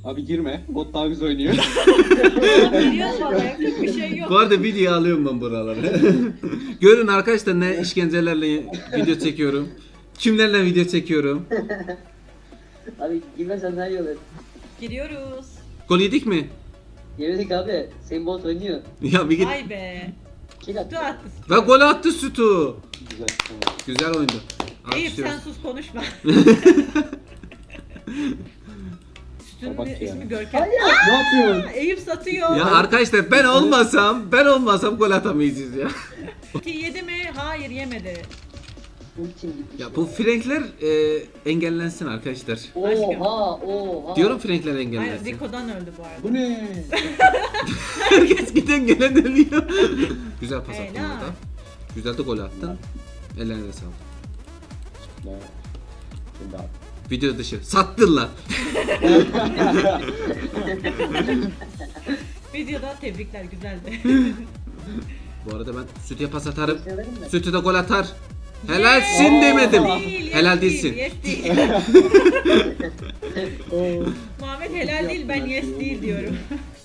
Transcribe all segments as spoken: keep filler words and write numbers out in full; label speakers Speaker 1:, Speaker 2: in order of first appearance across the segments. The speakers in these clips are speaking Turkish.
Speaker 1: Abi girme. Bot daha güzel oynuyor.
Speaker 2: Giriyoruz valla yapacak bir şey yok.
Speaker 3: Bu arada video alıyorum ben buraları. Görün arkadaşlar ne işkencelerle video çekiyorum. Kimlerle video çekiyorum.
Speaker 4: Abi girmesen daha iyi olur.
Speaker 2: Giriyoruz.
Speaker 3: Gol yedik mi?
Speaker 4: Yemedik abi. Senin bot oynuyor.
Speaker 3: Ya bir git.
Speaker 2: Vay be.
Speaker 4: Kill at.
Speaker 2: Sütü attı.
Speaker 3: Ve gol attı Sütü.
Speaker 1: Güzel. Tamam.
Speaker 3: Güzel oyundu.
Speaker 2: Eyüp sen
Speaker 3: Alkışlıyoruz.
Speaker 2: sus konuşma. Sütünün
Speaker 1: Bak ya.
Speaker 2: ismi Görkem.
Speaker 1: Ne yapıyorsun?
Speaker 2: Eyüp satıyor.
Speaker 3: Ya arkadaşlar ben olmasam, ben olmasam gol atamayacağız ya.
Speaker 2: Ki yedi mi? Hayır yemedi.
Speaker 4: Ultim gitmiş.
Speaker 3: Ya bu Frankler e, engellensin arkadaşlar.
Speaker 4: Oha oha.
Speaker 3: Diyorum Frankler
Speaker 2: Hayır
Speaker 3: engellensin.
Speaker 2: Rico'dan öldü bu arada.
Speaker 1: Bu ne?
Speaker 3: Herkes giden gelen ölüyor. Güzel pas attın
Speaker 2: Helal.
Speaker 3: orada. Güzel de gol attın. Ellerine sağlık.
Speaker 1: Ne? Şimdi abi.
Speaker 3: Video dışı. Sattın lan.
Speaker 2: Videoda tebrikler güzeldi.
Speaker 3: Bu arada ben Sütü'ye pas atarım.
Speaker 4: Severim de.
Speaker 3: Sütü de gol atar. Helalsin
Speaker 2: Yes
Speaker 3: demedim.
Speaker 2: değil, yes
Speaker 3: Helal
Speaker 2: değil,
Speaker 3: değilsin.
Speaker 2: Yes değil. Muhammed helal değil ben yes değil diyorum.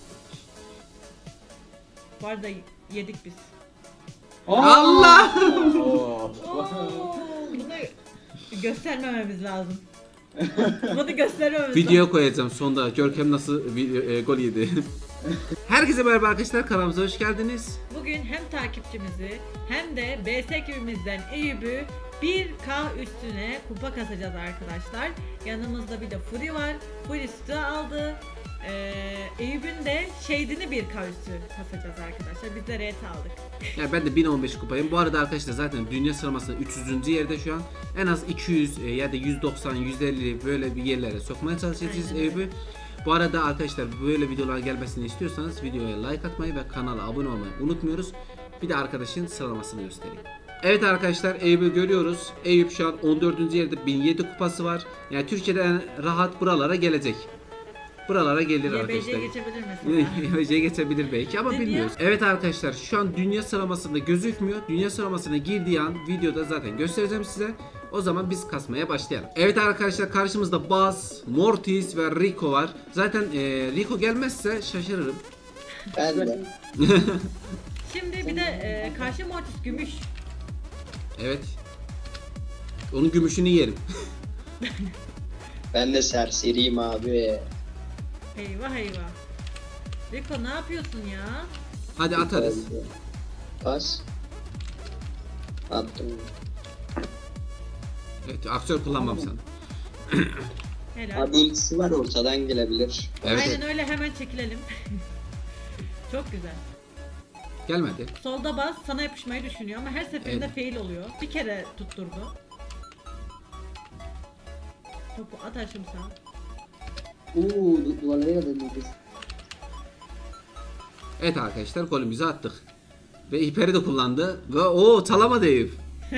Speaker 2: Bu arada yedik biz.
Speaker 3: Allah!
Speaker 1: Oo.
Speaker 2: Oo, bunu göstermememiz lazım. Bunu göstermememiz lazım.
Speaker 3: Videoya koyacağım sonda. Görkem nasıl video, e, gol yedi. Herkese merhaba arkadaşlar. Kanalımıza hoş geldiniz.
Speaker 2: Bugün hem takipçimizi hem de B S ekibimizden Eyüp'ü bir K üstüne kupa kasacağız arkadaşlar. Yanımızda bir de Fury var. Fury sütü aldı. Ee, Eyüp'ün de Shade'ini bir K üstü kasacağız arkadaşlar. Biz de ret aldık.
Speaker 3: Ya ben de bin on beş kupayım. Bu arada arkadaşlar zaten dünya sıralamasında üç yüzüncü yerde şu an. En az iki yüz e, ya da yüz doksan, yüz elli böyle bir yerlere sokmaya çalışacağız
Speaker 2: Aynen öyle.
Speaker 3: Eyüp'ü. Bu arada arkadaşlar böyle videolar gelmesini istiyorsanız videoya like atmayı ve kanala abone olmayı unutmuyoruz. Bir de arkadaşın sıralamasını göstereyim. Evet arkadaşlar Eyüp'ü görüyoruz. Eyüp şu an on dördüncü yerde bin yedi kupası var. Yani Türkiye'de en rahat buralara gelecek. Buralara gelir
Speaker 2: Y B
Speaker 3: arkadaşlar.
Speaker 2: C'ye geçebilir mesela.
Speaker 3: Y B C'ye geçebilir belki ama
Speaker 2: Ne
Speaker 3: bilmiyoruz. Evet arkadaşlar şu an dünya sıralamasında gözükmüyor. Dünya sıralamasına girdiği an videoda zaten göstereceğim size. O zaman biz kasmaya başlayalım. Evet arkadaşlar karşımızda Buzz, Mortis ve Rico var. Zaten e, Rico gelmezse şaşırırım.
Speaker 4: Ben de.
Speaker 2: Şimdi bir de e, karşı Mortis gümüş.
Speaker 3: Evet. Onun gümüşünü yerim.
Speaker 4: Ben de serseriyim abi.
Speaker 2: Eyvah eyvah. Rico ne yapıyorsun ya?
Speaker 3: Hadi atarız.
Speaker 4: Pas. Attım.
Speaker 3: Evet aktör kullanmam sana.
Speaker 2: Helal.
Speaker 4: Abi ultisi var ortadan gelebilir.
Speaker 3: Evet,
Speaker 2: Aynen
Speaker 3: evet.
Speaker 2: öyle hemen çekilelim. Çok güzel.
Speaker 3: Gelmedi.
Speaker 2: Solda bas sana yapışmayı düşünüyor ama her seferinde
Speaker 3: Evet.
Speaker 2: fail oluyor. Bir kere tutturdu. Topu at aşım sağ.
Speaker 4: Uuu duvarlara kadar nefes.
Speaker 3: Evet arkadaşlar golümüzü attık. Ve hiperi de kullandı. Ve o çalamadı Eyüp.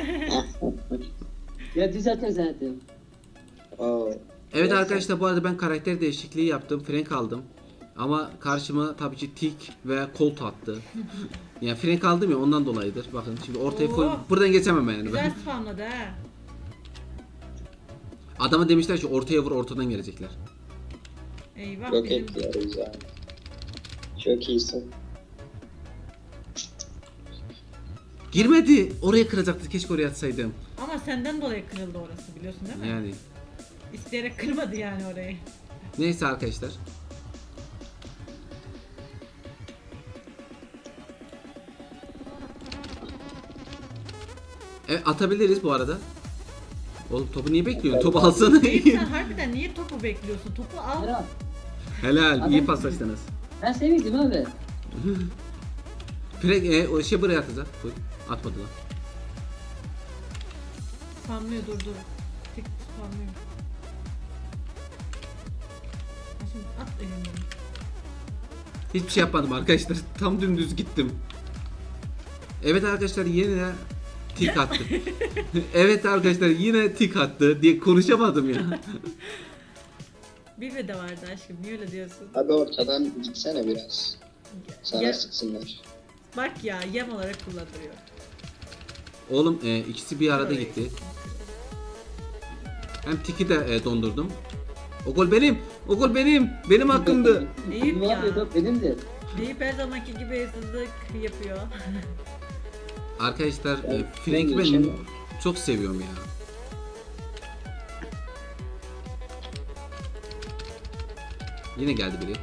Speaker 4: Ya düz atıyor zaten. Oo.
Speaker 3: Evet arkadaşlar bu arada ben karakter değişikliği yaptım. Frank aldım. Ama karşıma tabii ki Tik ve Colt attı. Yani Frank aldım ya ondan dolayıdır. Bakın şimdi ortaya
Speaker 2: Oo.
Speaker 3: full buradan geçemem yani
Speaker 2: Güzel
Speaker 3: ben.
Speaker 2: spamladı ha.
Speaker 3: Adama demişler ki ortaya vur ortadan gelecekler.
Speaker 2: Eyvah
Speaker 4: Yok
Speaker 2: bizim.
Speaker 4: ediyoruz abi. Çok iyisin.
Speaker 3: Girmedi. Oraya kıracaktı. Keşke oraya atsaydım.
Speaker 2: Ama senden dolayı kırıldı orası biliyorsun değil mi?
Speaker 3: Yani.
Speaker 2: İsteyerek kırmadı yani orayı.
Speaker 3: Neyse arkadaşlar. Evet atabiliriz bu arada. Oğlum topu niye bekliyorsun? Topu alsana.
Speaker 2: Eyüp sen harbiden niye topu bekliyorsun? Topu al.
Speaker 4: Merhaba.
Speaker 3: Helal. iyi paslaştınız.
Speaker 4: Ben sevmiştim abi.
Speaker 3: Frank e, o şey buraya atacak. Buyur. Atmadı lan.
Speaker 2: Spamlıyor dur dur. Tik spamlıyor. Ha şimdi at elinden.
Speaker 3: Hiçbir şey yapmadım arkadaşlar. Tam dümdüz gittim. Evet arkadaşlar yine tik attı. Evet arkadaşlar yine tik attı diye konuşamadım ya.
Speaker 2: Bir de vardı aşkım niye öyle diyorsun?
Speaker 4: Abi ortadan gitsene biraz. Sana
Speaker 2: Ya-
Speaker 4: sıksınlar.
Speaker 2: Bak ya yem olarak kullanılıyor.
Speaker 3: Oğlum e, ikisi bir arada gitti. Hem tiki de e, dondurdum. O gol benim. O gol benim. Benim hakkımdı.
Speaker 2: Eyüp
Speaker 4: Ne
Speaker 2: ya.
Speaker 4: yapıyor top benimdir.
Speaker 2: Deyip her zamanki gibi hırsızlık yapıyor.
Speaker 3: Arkadaşlar e,
Speaker 4: Ben-
Speaker 3: Frank'i
Speaker 4: ben
Speaker 3: ben
Speaker 4: geçemem.
Speaker 3: çok seviyorum ya. Yine geldi biri.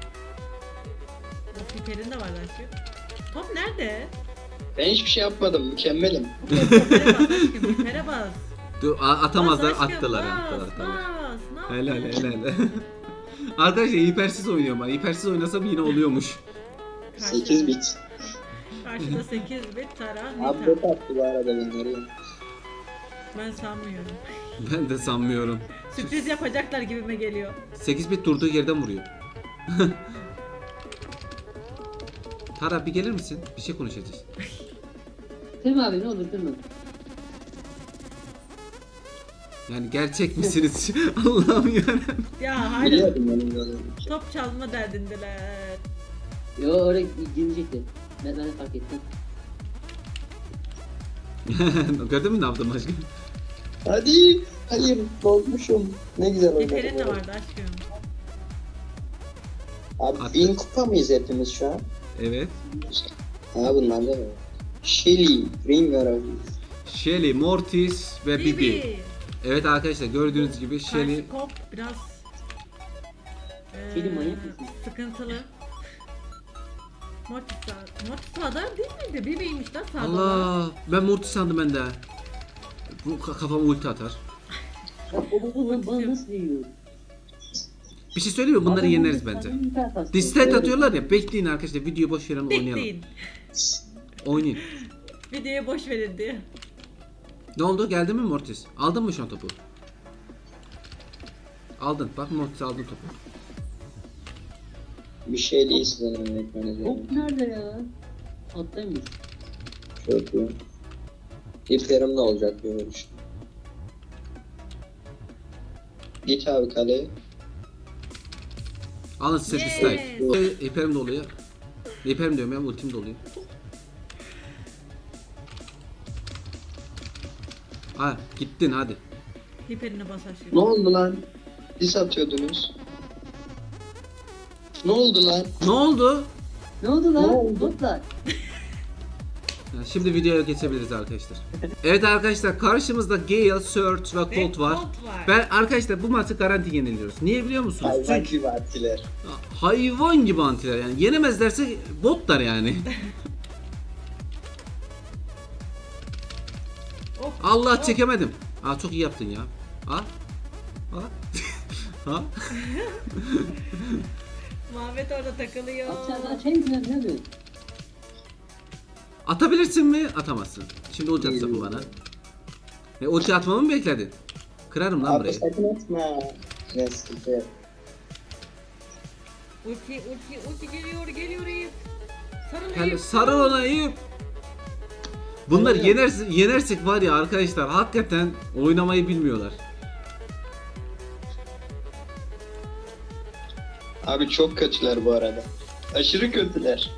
Speaker 2: O Hiper'in de var aşkım. Top nerede?
Speaker 4: Ben hiçbir şey yapmadım. Mükemmelim.
Speaker 2: Hiper'e bas aşkım, Hiper'e bas.
Speaker 3: Dur, a- atamazlar,
Speaker 2: Bas aşkım,
Speaker 3: attılar.
Speaker 2: bas,
Speaker 3: attılar, attılar.
Speaker 2: bas. Ne
Speaker 3: Helal
Speaker 2: yapıyorsun?
Speaker 3: helal. Arkadaşlar hipersiz oynuyorum ben. Hipersiz oynasam yine oluyormuş.
Speaker 4: sekiz bit.
Speaker 2: Karşıda sekiz bit Tara
Speaker 4: Abi
Speaker 2: Nita.
Speaker 4: bot attı bu arada benleri.
Speaker 2: Ben sanmıyorum.
Speaker 3: Ben de sanmıyorum.
Speaker 2: Sürpriz yapacaklar gibime geliyor.
Speaker 3: sekiz bit durduğu yerden vuruyor. Tara bir gelir misin? Bir şey konuşacağız.
Speaker 4: Kırma abi ne olur kırma.
Speaker 3: Yani gerçek misiniz? Allah'ım yarabbim.
Speaker 2: Ya hala
Speaker 4: Biliyordum benim böyle.
Speaker 2: top çalma derdindeler.
Speaker 4: Yo oraya girecekti. Ben, ben de fark ettim.
Speaker 3: Gördün mü ne yaptım aşkım?
Speaker 4: Hadi. Hayır bozmuşum. Ne güzel oynadım.
Speaker 2: Hiper'in de vardı aşkım.
Speaker 4: Abi
Speaker 3: Attı.
Speaker 4: bin kupa mıyız hepimiz şu an?
Speaker 3: Evet.
Speaker 4: Ha bunlar da var. Shelly, Ringar
Speaker 3: Shelly, Mortis ve Bibi.
Speaker 2: Bibi.
Speaker 3: Evet arkadaşlar gördüğünüz gibi Shelly.
Speaker 2: Karşı kop biraz eee,
Speaker 4: Shelly manyak mısın?
Speaker 2: sıkıntılı. Mortis Mortis sağda değil miydi? Bibi'ymiş lan sağda.
Speaker 3: Allah, ben Mortis sandım ben de. Bu ka- kafama ulti atar.
Speaker 4: Baba bana nasıl yiyor?
Speaker 3: Bir şey söyleyeyim mi? Bunları yeneriz bence. Dislike atıyorlar ya. Bekleyin arkadaşlar. Videoyu boş verin oynayalım.
Speaker 2: Bekleyin.
Speaker 3: Oynayın.
Speaker 2: Videoya boş verin diye.
Speaker 3: Ne oldu? Geldi mi Mortis? Aldın mı şu an topu? Aldın. Bak Mortis aldın topu.
Speaker 4: Bir şey değil sizden öğretmeniz. Hop nerede ya? Attaymış. Çok iyi. İplerim ne olacak bir vuruş. Git abi kaleye.
Speaker 3: Alın size
Speaker 2: Yes.
Speaker 3: dislike. İperim doluyor. İperim diyorum ya ultim doluyor. Ha gittin hadi.
Speaker 2: Hiper'ine bas aşkım.
Speaker 4: Ne oldu lan? Dis atıyordunuz. Ne oldu lan?
Speaker 3: Ne oldu?
Speaker 4: Ne oldu lan? Botlar.
Speaker 3: Ya şimdi videoya geçebiliriz arkadaşlar. Evet arkadaşlar karşımızda Gale, Surge ve
Speaker 2: Ve
Speaker 3: Colt var.
Speaker 2: Colt var.
Speaker 3: Ben arkadaşlar bu maçı garanti yeniliyoruz. Niye biliyor musunuz?
Speaker 4: Hayvan
Speaker 3: Çünkü
Speaker 4: gibi attiler.
Speaker 3: hayvan gibi antiler yani. Yenemezlerse botlar yani.
Speaker 2: Hop,
Speaker 3: Allah
Speaker 2: hop.
Speaker 3: çekemedim. Aa çok iyi yaptın ya. Ha? Ha? Ha?
Speaker 2: Muhammed orada takılıyor.
Speaker 3: Atabilirsin mi? Atamazsın. Şimdi ulti atsa bu bana. Ne ulti atmamı mı bekledin? Kırarım lan
Speaker 4: Abi
Speaker 3: burayı.
Speaker 4: sakın atma. Ne sıkıntı yok.
Speaker 2: Ulti ulti ulti geliyor geliyor Eyüp. Sarıl
Speaker 3: Yani
Speaker 2: Eyüp.
Speaker 3: sarıl ona Eyüp. Bunlar yenersek, yenersek var ya arkadaşlar hakikaten oynamayı bilmiyorlar.
Speaker 4: Abi çok kötüler bu arada. Aşırı kötüler.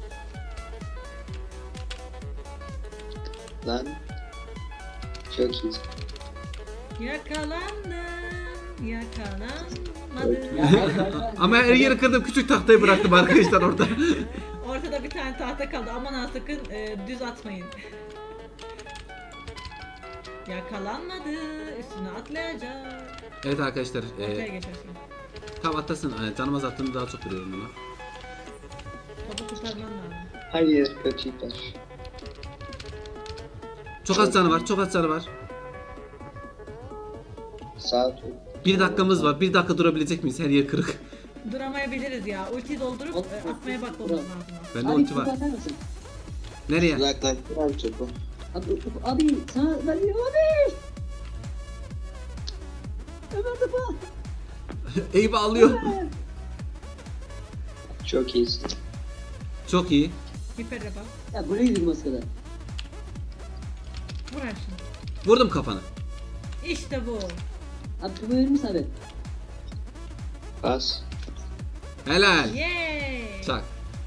Speaker 4: Lan. Çok iyi.
Speaker 2: Yakalandım. Yakalanmadım.
Speaker 3: Ama her yeri kırdım küçük tahtayı bıraktım arkadaşlar orada.
Speaker 2: Ortada bir tane tahta kaldı. Aman ha sakın e, düz atmayın. Yakalanmadı. Üstüne atlayacak.
Speaker 3: Evet arkadaşlar
Speaker 2: Ortaya
Speaker 3: e,
Speaker 2: geçersin.
Speaker 3: tam atlasın. E, canım az attığını daha çok vuruyorum buna.
Speaker 2: Topu kurtarman lazım.
Speaker 4: Hayır kötüler.
Speaker 3: Çok az canı var çok az canı var.
Speaker 4: Sağ tut.
Speaker 3: Bir dakikamız var. Bir dakika durabilecek miyiz? Her yer kırık.
Speaker 2: Duramayabiliriz ya. Ultiyi doldurup
Speaker 4: Hop,
Speaker 2: e,
Speaker 4: hop,
Speaker 2: atmaya
Speaker 4: hop,
Speaker 2: bakmamız
Speaker 4: hop.
Speaker 2: lazım.
Speaker 3: Bende ulti var. Nereye?
Speaker 4: Uzaklaştır abi topu.
Speaker 5: Abi, abi sana veriyor abi. Ömer topu.
Speaker 3: Eyvah alıyor.
Speaker 4: Çok iyisin.
Speaker 3: Çok iyi.
Speaker 2: Hiper'e bak.
Speaker 5: Ya buraya gidiyor maskada.
Speaker 2: Vur aşkım.
Speaker 3: Vurdum kafana.
Speaker 2: İşte bu.
Speaker 5: Abi topu verir misin abi?
Speaker 4: Pas.
Speaker 3: Helal.
Speaker 2: Yay.
Speaker 3: Çak.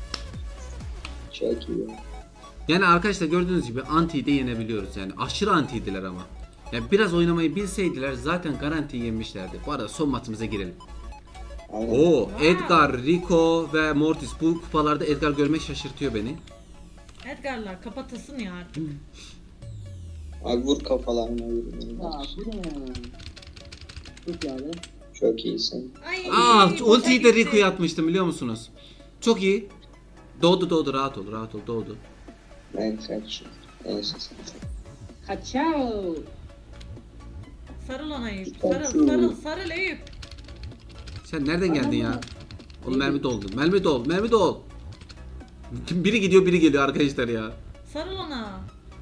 Speaker 4: Çok iyi.
Speaker 3: Yani arkadaşlar gördüğünüz gibi antiyi de yenebiliyoruz yani aşırı antiydiler ama. Yani biraz oynamayı bilseydiler zaten garanti yenmişlerdi. Bu arada son maçımıza girelim.
Speaker 4: Aynen.
Speaker 3: Oo,
Speaker 2: Wow.
Speaker 3: Edgar, Rico ve Mortis. Bu kupalarda Edgar görmek şaşırtıyor beni.
Speaker 2: Edgar'lar kapatılsın ya artık.
Speaker 4: Abi vur kafalarına vur.
Speaker 5: Aa bu ne ya? Çok ya abi.
Speaker 4: Çok iyisin.
Speaker 2: Ay,
Speaker 3: Aa,
Speaker 2: boşa
Speaker 3: ultiyi de
Speaker 2: gitti.
Speaker 3: Rico'ya atmıştım biliyor musunuz? Çok iyi. Doğdu doğdu rahat ol rahat ol doğdu.
Speaker 4: Ben kaç. Neyse sen.
Speaker 5: Kaçao.
Speaker 2: Sarıl ona Eyüp.
Speaker 4: Çok
Speaker 2: Sarıl
Speaker 4: iyi.
Speaker 2: sarıl sarıl Eyüp.
Speaker 3: Sen nereden geldin ya? Oğlum
Speaker 5: Neydi?
Speaker 3: mermi doldu. Mermi dol. Mermi dol. Biri gidiyor biri geliyor arkadaşlar ya.
Speaker 2: Sarıl ona.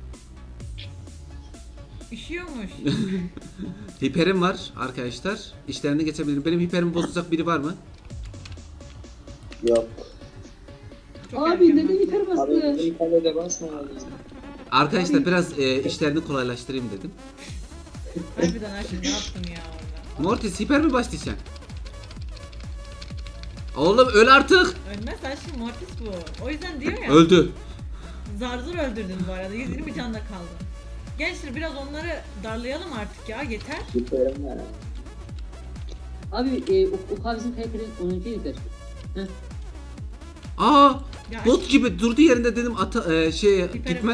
Speaker 2: Üşüyormuş.
Speaker 3: Hiperim var arkadaşlar. İşlerini geçebilirim. Benim hiperimi bozacak biri var mı?
Speaker 4: Yok.
Speaker 2: Çok
Speaker 5: Abi
Speaker 2: erken
Speaker 5: neden
Speaker 2: bastı.
Speaker 5: hiper
Speaker 4: Abi
Speaker 5: bastı?
Speaker 4: bizim kalede basma abi.
Speaker 3: Arkadaşlar
Speaker 5: Abi-
Speaker 3: biraz e, işlerini kolaylaştırayım dedim.
Speaker 2: Harbiden aşkım ne yaptın ya orada?
Speaker 3: Mortis hiper mi başlayacaksın? Oğlum öl artık.
Speaker 2: Ölmez aşkım Mortis bu. O yüzden diyor ya.
Speaker 3: Öldü.
Speaker 2: Zar zor öldürdün bu arada. yüz yirmi canla kaldı. Gençler biraz onları darlayalım artık ya yeter.
Speaker 4: Süperim var.
Speaker 5: Abi e, o, o kavizin karakterin onuncu yeter. Heh.
Speaker 3: Aa,
Speaker 2: Ya
Speaker 3: bot gibi durdu yerinde dedim ata e, şey
Speaker 2: Hiperim.
Speaker 3: gitmez.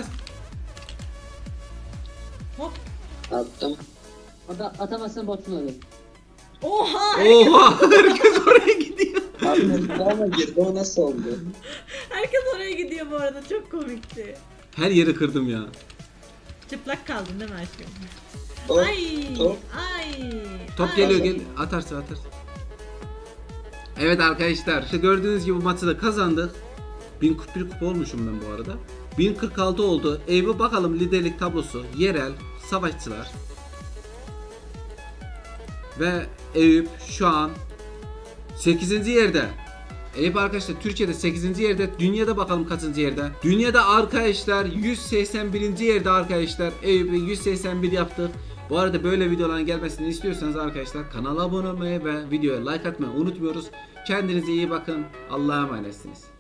Speaker 2: Hop.
Speaker 4: Attım.
Speaker 5: Ata, atamazsan botsun abi.
Speaker 2: Oha!
Speaker 3: Oha, herkes oraya gidiyor.
Speaker 4: Abi ama girdi o nasıl oldu?
Speaker 2: Herkes oraya gidiyor bu arada. Çok komikti.
Speaker 3: Her yeri kırdım ya.
Speaker 2: Çıplak kaldın değil mi aşkım?
Speaker 4: Top,
Speaker 2: Ay!
Speaker 4: top.
Speaker 2: Ay!
Speaker 3: Top
Speaker 2: ay.
Speaker 3: geliyor gel atarsın atarsın. Evet arkadaşlar işte gördüğünüz gibi bu maçı da kazandık. bin kırk bir kupa olmuşum ben bu arada. bin kırk altı oldu. Eyvah bakalım liderlik tablosu. Yerel, savaşçılar. Ve Eyüp şu an sekizinci yerde. Eyüp arkadaşlar Türkiye'de sekizinci yerde. Dünyada bakalım kaçıncı yerde. Dünyada arkadaşlar yüz seksen birinci yerde arkadaşlar. Eyüp'ü yüz seksen bir yaptık. Bu arada böyle videoların gelmesini istiyorsanız arkadaşlar kanala abone olmayı ve videoya like atmayı unutmuyoruz. Kendinize iyi bakın. Allah'a emanetsiniz.